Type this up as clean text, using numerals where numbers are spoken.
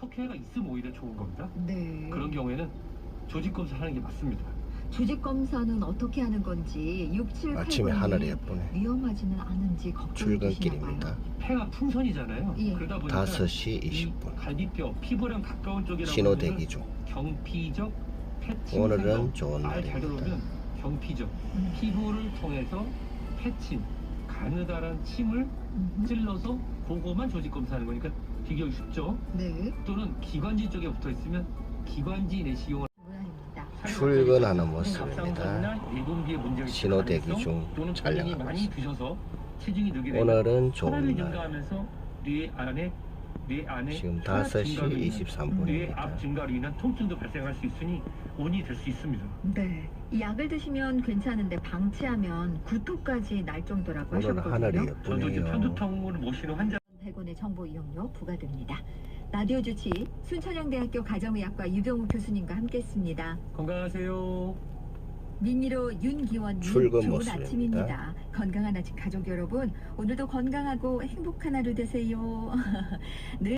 피해가 있으면 오히려 좋은 겁니다. 네. 그런 경우에는 조직 검사를 하는 게 맞습니다. 조직 검사는 어떻게 하는 건지 6780이 아침에 하늘이 예쁘네. 위험하지는 않은지 걱정이 되시나 봐요. 출근길입니다. 폐가 풍선이잖아요. 예. 그러다 보니까 5시 이 20분. 갈비뼈, 피부랑 가까운 쪽이라고 신호 하면은 대기 중. 경피적 패침 오늘은 생성. 좋은 잘 날입니다. 들어오면 경피적 피부를 통해서 패침, 가느다란 침을 찔러서 그거만 조직 검사하는 거니까 비교하기 쉽죠. 네. 또는 기관지 쪽에 붙어 있으면 기관지 내시용을 모양입니다. 출근하는 갑상선이나 모습입니다. 예공기에 문제가 있을 신호 대기 가능성, 중 또는 본인이 촬영하고 많이 있습니다. 드셔서 체중이 늘게 되면 오늘은 좋은 혈압이 날. 증가하면서 뇌 안에 지금 혈압 5시 증가로 인한 뇌압 23분입니다. 증가로 인한 통증도 발생할 수 있으니 원인이 될 수 있습니다. 네. 이 약을 드시면 괜찮은데 방치하면 구토까지 날 정도라고 오늘 하셨거든요. 하늘이 저도 이제 예쁘네요. 편두통을 모시는 환자 100원의 정보 이용료 부과됩니다. 라디오 주치 순천향대학교 가정의학과 유병우 교수님과 함께했습니다. 건강하세요. 민미로 윤기원님 출근 좋은 모습입니다. 아침입니다. 건강한 아침 가족 여러분 오늘도 건강하고 행복한 하루 되세요. 늘